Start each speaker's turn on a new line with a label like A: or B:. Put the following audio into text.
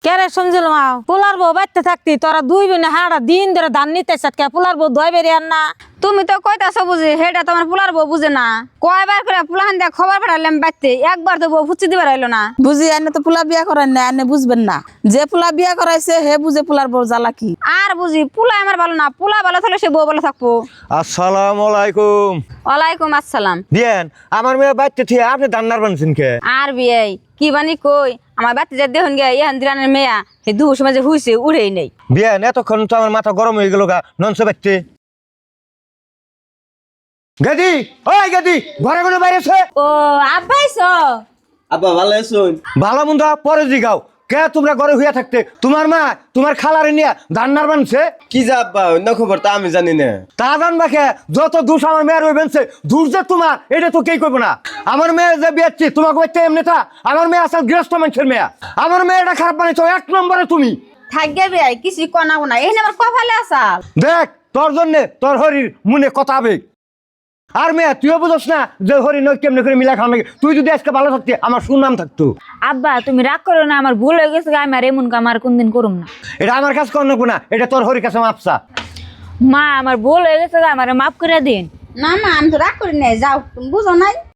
A: কেরে সমঝল মা পোলার বউ বাইতে থাকতি তোরা দুই বোনে হাড়া দিন ধরে ধান নিতে কে পোলার বউ ধয় বেরিয়ে আন না।
B: তুমি তো কইতাছো বুঝি হেটা তোমার পোলার বউ বুঝে না। কয়বার করে পোলাহান দিয়া খবর পাঠালাম বাইতে, একবার তো বউ ফুচি দিবার আইলো না।
C: বুঝি আনে তো পোলা বিয়া করান না, আনে বুঝবেন না। যে পোলা বিয়া করাইছে হে বুঝে পোলার বউ জ্বালা কি।
B: আর বুঝি পোলা আমার ভালো না, পোলা ভালো থাকলে সে বউ ভালো থাকবো।
D: আসসালামু আলাইকুম।
B: ওয়ালাইকুম আসসালাম।
D: বিয়ান আমার মেয়ে বাইতে থেকে আপনি দান্নার বানছেন কে?
B: আর বিয়াই কি বানি কই আমার বাতি যা দেখুন গে ইহান দিরানের মেয়া হে দুপুর সময় যে হুইছে উড়েই নেই।
D: বিয়ান এতক্ষণ তো আমার মাথা গরম হয়ে গেল গা ননসে বাইতে। গাদি ওই গাদি ঘরে কোনো বাইরেছে?
A: ও আব্বাইছো?
E: আব্বা ভালো আছুন?
D: ভালো মন্দ পরে জিগাও কে তোমরা ঘরে হইয়া থাকতে তোমার মা তোমার খালারে নিয়ে দান্নার বানছে?
E: কি যা আব্বা অন্য খবর তা আমি জানি না।
D: তা জানবা কে? যত দোষ আমার মেয়ের ওই বেনছে দূর যে তোমার এটা তো কেই করবো না। আমার মেয়ে যে বিয়াচ্ছি তোমাকে বাচ্চা এমনি তা আমার মেয়ে আসল গৃহস্থ মানুষের মেয়ে। আমার মেয়েটা খারাপ বানিয়েছো এক নম্বরে তুমি।
B: থাকবে বিয়াই কিছু কনাবো না, এই আমার কপালে আসাল।
D: দেখ তোর জন্যে তোর হরির মনে কথা আবেগ। আর মেয়ে তুইও বুঝস না যে হরি নয় কেমনে করে মিলা খাওয়া লাগে। তুই যদি আজকে ভালো থাকতি আমার সুনাম থাকতো।
A: আব্বা তুমি রাগ করো না, আমার ভুল হয়ে গেছে, আমি আর এমন কাম আর কোনদিন করুম না।
D: এটা আমার কাছে কর না, এটা তোর হরির কাছে মাপসা।
A: মা আমার ভুল হয়ে গেছে, আমার মাফ করে দিন।
B: না না আমি তো রাগ করি নাই, যাও তুমি বুঝো নাই।